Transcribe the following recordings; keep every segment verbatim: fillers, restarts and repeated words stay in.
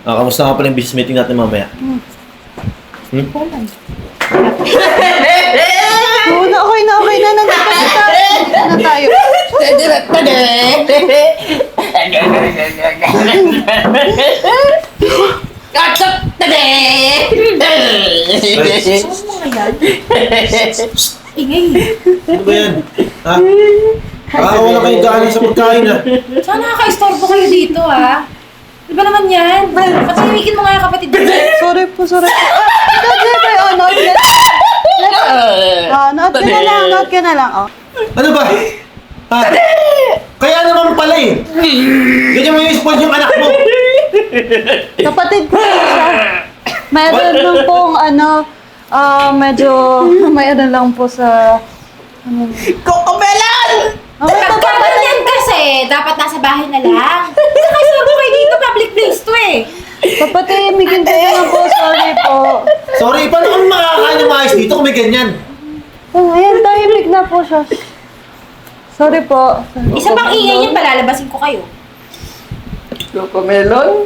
Ah, kamusta nga pala yung business meeting natin mamaya? Hmm? Oo na, okay na, okay na. Nandito na tayo. Nandito na tayo. Ingay. Ano ba yan? Ha? Ah, wala kayong daanan sa pagkain ha? Saan nakaka-istorbo kayo dito, ha? Di ba naman yan? Patahimikin mo nga yung kapatid mo. Sorry po, sorry po. Ah, ito, Jeboy. Oh, note ka. Ah, note ka na lang, note ka na lang. Oh. Ano ba? Ha? Kaya naman pala eh. Ganyan mo yung spoil yung anak mo. Kapatid ko po siya. Mayroon lang pong ano, ah, medyo, may ano lang po sa, ano, Kokomelan! okay, Pagka kapatid. ganyan kasi, dapat nasa bahay na lang. Nakaka-istorbo kayo dito, public place to eh. Kapatid, may ganito na po, sorry po. Sorry, paano kami makakain ng maayos dito kung may ganyan? Oh, ayan, tahimik na po siya. Sorry po. Isa pang ingay niyan, palalabasin ko kayo. Kokomelon?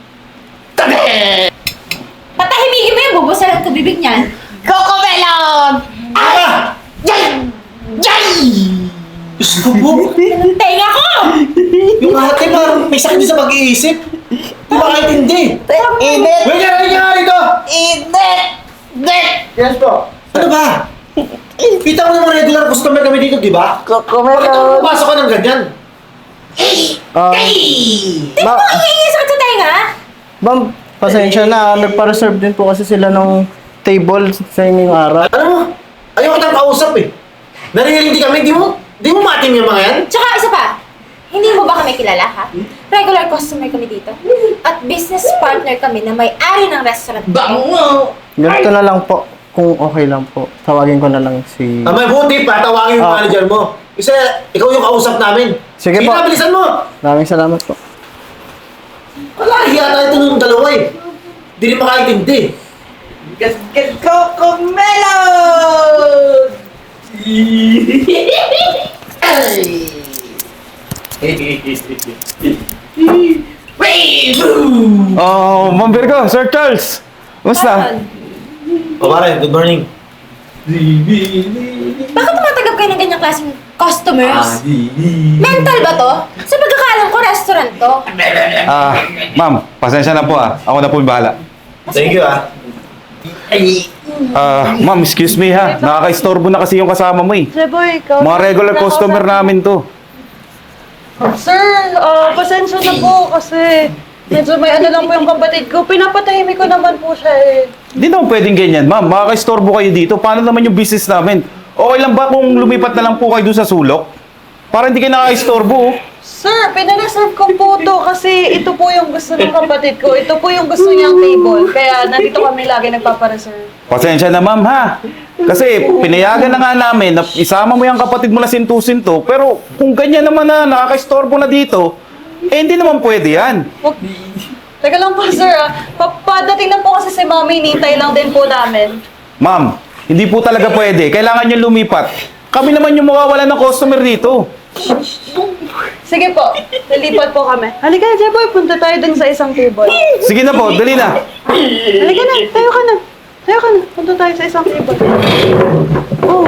Patahimikin mo yan, bubusalan ko bibig niyan. Kokomelon! Ah! Yan! Yan! Diyos ko po. Ang tenga ko! Yung ate parang may sakit din sa pag-iisip. Di ba kahit hindi? Init! Wait nga, wait nga dito! Init! Init! Yes po. Ano ba? Kita mo naman regular customer kami dito, di ba? Bakit ako Kokomelon! pumasok ka ng ganyan? Ah, Di ma- ba ingay sakit sa tenga? ma'am, pasensya na. Nagpa-reserve din po kasi sila ng table sa inyong araw. Alam mo, ayaw ko tayong kausap eh. Naririnig kami, di mo, di mo matim yung mga yan? Tsaka isa pa, hindi mo ba kami kilala, ha? Regular customer kami dito. At business partner kami na may-ari ng restaurant. Bango! Ganito na lang po. Kung okay lang po. Tawagin ko na lang si... Ah, may buti pa, tawagin yung Ah. manager mo. Kasi ikaw yung kausap namin. Sige po. na, bilisan mo! Maraming salamat po. Wala, hiya tayo ito nung dalawa eh. Hindi rin makaintindi. Gasgas Kokomelon! Oh, Ma'am Virgo, Sir Charles! Kumusta? O pare, good morning. Bakit tumatagap kayo ng ganyang klaseng customers? Mental ba to? Sa pagkakaalam ko, restaurant to. Ah, ma'am, pasensya na po ah. Ako na po yung bahala. Thank you ah. Ah, ma'am, excuse me ha. Nakaka-istorbo na kasi yung kasama mo eh. Jeboy, ikaw. Mga regular customer namin to. Sir, ah, pasensya na po kasi medyo may ano lang po yung kapatid ko. Pinapatahimik ko naman po siya eh. Hindi naman pwedeng ganyan, ma'am. Makaka-istorbo kayo dito. Paano naman yung business namin? Okay lang ba kung lumipat na lang po kayo doon sa sulok? Para hindi kayo nakaka-istorbo oh. Sir, pinareserve ko po to kasi ito po yung gusto ng kapatid ko. Ito po yung gusto niyang table. Kaya nandito kami lagi nagpapareserve. Pasensya na, ma'am ha. Kasi pinayagan na nga namin na isama mo yung kapatid mo na sintu-sinto. Pero kung ganyan naman na nakaka-istorbo na dito, eh hindi naman pwede yan. Wag- Teka lang po, sir. Ah. Pa- Padating na po kasi si Mami, nintay lang din po namin. Ma'am, hindi po talaga pwede. Kailangan nyo lumipat. Kami naman yung mawawala ng customer dito. Sige po, nalipat po kami. Halika, Jeboy, punta tayo dun sa isang table. Sige na po, dali na. Halika na, tayo ka na. Tayo ka na, punta tayo sa isang table. Oh.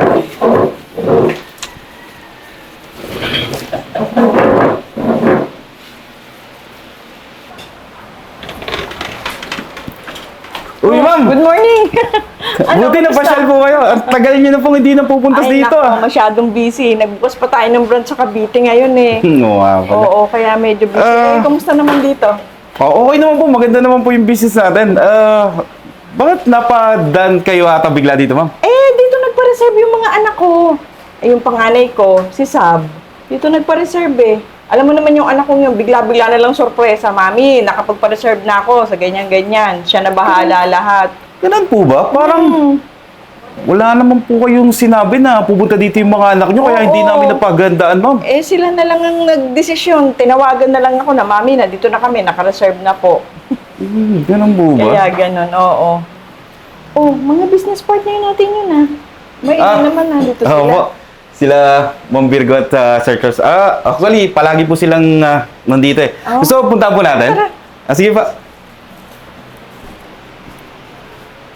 Uy, ma'am! Good morning! Buti na pasyal po kayo. Ang tagal nyo na pong hindi na pupunta Ay, dito nako, ah. masyadong busy. Nagbukas pa tayo ng branch sa Cavite ngayon eh. Oo nga pala. Oo, kaya medyo busy. Ah. Eh, kamusta naman dito? Oh, okay naman po, maganda naman po yung business natin. Ah, bakit napadan kayo ata bigla dito, ma'am? Eh, dito nagpa-reserve yung mga anak ko. Eh, yung panganay ko, si Sab. Dito nagpa-reserve eh. Alam mo naman yung anak kong yung bigla-bigla na lang sorpresa. Mami, nakapagpa-reserve na ako sa ganyan-ganyan. Siya na bahala lahat. Ganun po ba? Parang Hmm. wala naman po kayong sinabi na pupunta dito yung mga anak nyo, kaya hindi Oo. namin napagandaan, ma'am. Eh, sila na lang ang nagdesisyon. Tinawagan na lang ako na, Mami, na dito na kami, naka-reserve na po. Hmm, ganun po ba? Kaya ganun, oo. Oh, mga business partner natin yun ah. May Ah, ilan naman na dito Oo sila. po. Sila, Ma'am Virgo at uh, Sir Charles. Ah, actually, palagi po silang ah, nandito eh. Oh. Gusto mo punta po natin? Tara. Ah, sige pa.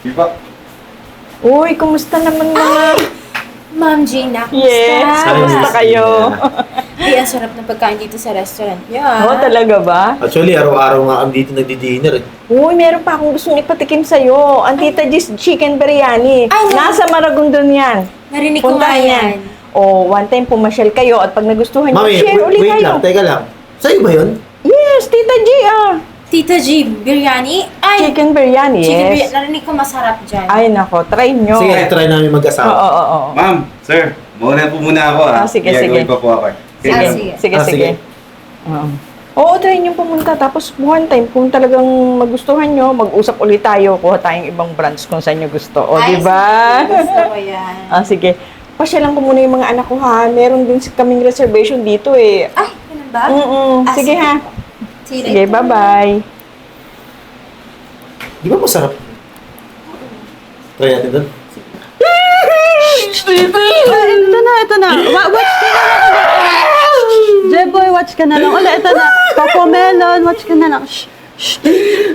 Di ba? Uy, kumusta naman mga... Ma'am Gina, kumusta? Yes, kumusta kayo? Di, ang sarap ng pagkain dito sa restaurant niyo, ah. Oo, talaga ba? Actually, araw-araw nga kami dito nagdi-dinner eh. Uy, meron pa akong gustong ipatikim sa'yo. Ang Tita G's Chicken Biryani. Ay, na- Nasa Maragondon yan. Narinig ko nga Puntahan yan. O, one time pumasyal kayo at pag nagustuhan nyo, Mami, share wait, ulit wait kayo. lang, teka lang. Sa'yo ba yun? Yes, Tita G ah. Tita G, biryani? Ay, Chicken Biryani, chicken yes. biryani. Narinig ko masarap dyan. Ay, nako, try nyo. Sige, try namin Oo, mag-asawa. oo, oo. Ma'am, sir, muna po muna ako Ah, ah. sige, Gagawin sige. pa po ako. eh. Sige. ma'am. sige. Sige, Ah, sige. sige. Oo. Oo, try nyo pumunta. Tapos one time, kung talagang magustuhan nyo, mag-usap ulit tayo. Kuha tayong ibang branch kung saan nyo gusto. O, Ay, di ba? sige, gusto ko yan. Ah, sige. Pasyalan ko muna yung mga anak ko, ha? Meron din si- kaming reservation dito, eh. Ay, ganun ba? Mm-mm. Ah, Sige, sige. ha? See you Sige, later. bye-bye. Di ba masarap? Try natin doon. Ah, ito na, ito na. Wa- watch ka na lang ulit. Jeboy, watch ka na lang ulit. Ito na. Coco Melon, watch ka na lang. Shh. Shh.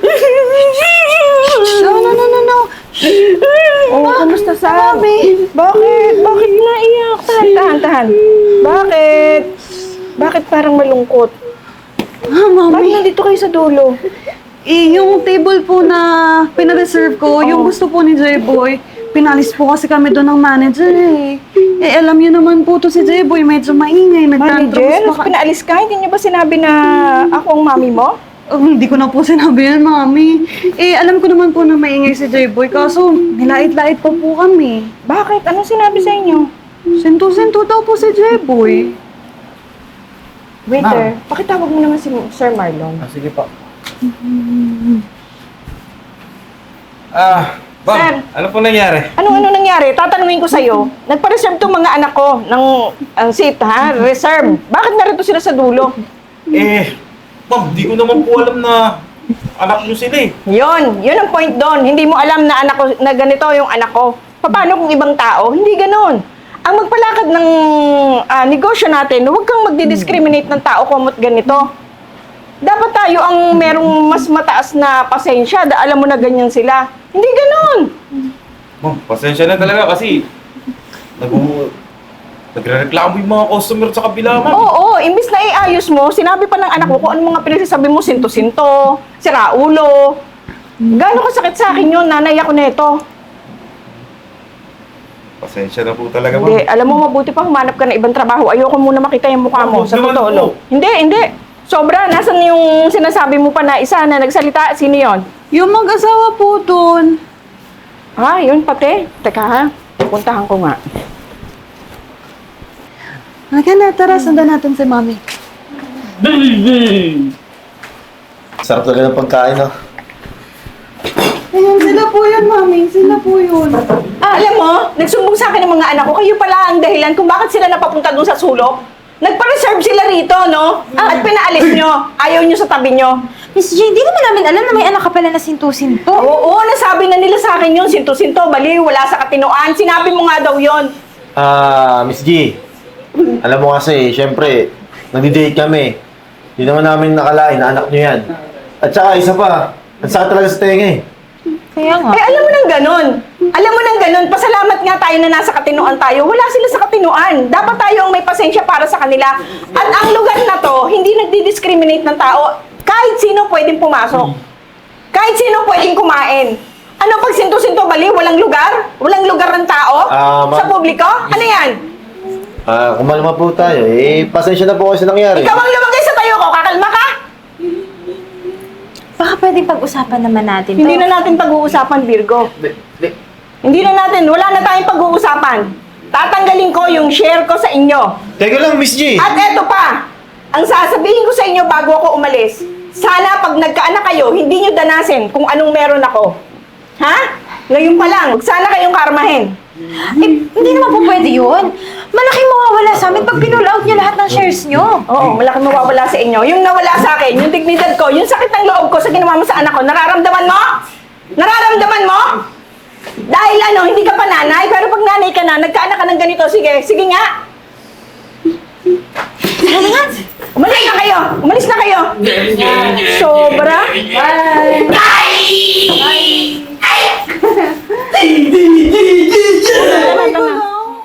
Shh. No, no, no, no, no. Shh. Oh, kamusta, Sam? Bakit? Bakit naiyak? Tahan, tahan, tahan. Bakit? Bakit parang malungkot? Ah, Bakit mami. nandito kayo sa dulo? Eh, yung table po na pinareserve ko, yung Oh. gusto po ni J-Boy, pinalis po kasi kami doon ng manager eh. Eh, alam niyo naman po to si J-Boy, medyo maingay, Manager, nagtantrums pa ka- pinaalis ka? Hindi niyo ba sinabi na ako ang mami mo? Oh, hindi ko na po sinabi yan, mami. Eh, alam ko naman po na maingay si J-Boy, kaso nilait-lait pa po kami. Bakit? Anong sinabi sa inyo? Sinto-sinto daw po si J-Boy. Waiter, pakitawag mo naman si Sir Marlon. Ah, sige po. Ah, Sir. ma'am, ano po nangyari? Ano-ano nangyari? Tatanungin ko sa'yo. Nagpa-reserve tong mga anak ko ng ang seat, ha? Reserve. Bakit narito sila sa dulo? Eh, ma'am, di ko naman po alam na anak niyo sila eh. Yon, yun ang point doon. Hindi mo alam na anak ko, na ganito yung anak ko. Paano kung ibang tao? Hindi ganon. Ang magpalakad ng ah, negosyo natin, huwag kang magdi-discriminate ng tao kumot ganito. Dapat tayo ang merong mas mataas na pasensya, da alam mo na ganyan sila. Hindi ganon. Ma'am, pasensya na talaga kasi nag nagre-reklamo yung mga customer sa kabila, ma'am. Oo, imbis na iayos mo, sinabi pa ng anak ko kung ano mga pinagsasabi mo, sinto-sinto, siraulo. Gano'n kasakit sa akin yun, nanay ako neto. Pasensya na po talaga, ma'am. Hindi, alam mo, mabuti pa humanap ka ng ibang trabaho. Ayoko muna makita yung mukha mo, Huwag sa naman totoo po. lang. Hindi, hindi. Sobra, nasan yung sinasabi mo pa na isa na nagsalita? Sino yon? Yung mag-asawa po doon. Ah, yun pati. Teka ha, puntahan ko nga. Halika na, tara, sundan natin si mami. Sarap talaga ng pagkain, no? Ayun, sila po yun, mami. Sila po yun. Ah, alam mo, nagsumbong sa akin ng mga anak ko, kayo pala ang dahilan kung bakit sila napapunta dun sa sulok. Nagpa-reserve sila rito, no? At pinaalis nyo. Ayaw nyo sa tabi nyo. Miss G, hindi naman namin alam na may anak ka pala na sinto-sinto. Oo, nasabi na nila sa akin yun. Sinto-sinto, baliw, wala sa katinoan. Sinabi mo nga daw yun. Ah, Miss G. Alam mo kasi, syempre, nagdi-date kami. Hindi naman namin nakalain na anak niyo yan. At saka, isa pa, ang sakit talaga sa tenga eh. Kaya nga. Eh, alam mo nang ganun. Alam mo nang ganun. Pasalamat nga tayo na nasa katinoan tayo. Wala sila sa katinoan. Dapat tayo ang may pasensya para sa kanila. At ang lugar na to, hindi nagdi-discriminate ng tao. Kahit sino pwedeng pumasok. Kahit sino pwedeng kumain. Ano pag sinto-sinto bali? Walang lugar? Walang lugar ng tao? Ah, ma- sa publiko? Ano yan? Ah, kumalma po tayo. Eh, pasensya na po kasi nangyari. Ikaw ang lumagay sa tayo ko. Kakalma ka? Baka pwedeng pag-usapan naman natin to. Hindi na natin pag-uusapan, Virgo. Di, di, Hindi na natin. Wala na tayong pag-uusapan. Tatanggalin ko yung share ko sa inyo. Teka lang, Miss G. At eto pa, ang sasabihin ko sa inyo bago ako umalis, sana pag nagkaanak kayo, hindi nyo danasin kung anong meron ako. Ha? Ngayon pa lang, sana kayong karmahin. Eh, hindi naman po pwede yun. Malaking mawawala sa amin pag pinull out niyo lahat ng shares niyo. Oo, malaki mawawala sa inyo. Yung nawala sa akin, yung dignidad ko, yung sakit ng loob ko sa ginawa mo sa anak ko, nararamdaman mo? Nararamdaman mo? Dahil ano, hindi ka pa nanay, pero pag nanay ka na, nagkaanak ka ng ganito, sige, sige nga. Tara na nga. Umalis na kayo! Umalis na kayo! Sobra? Bye!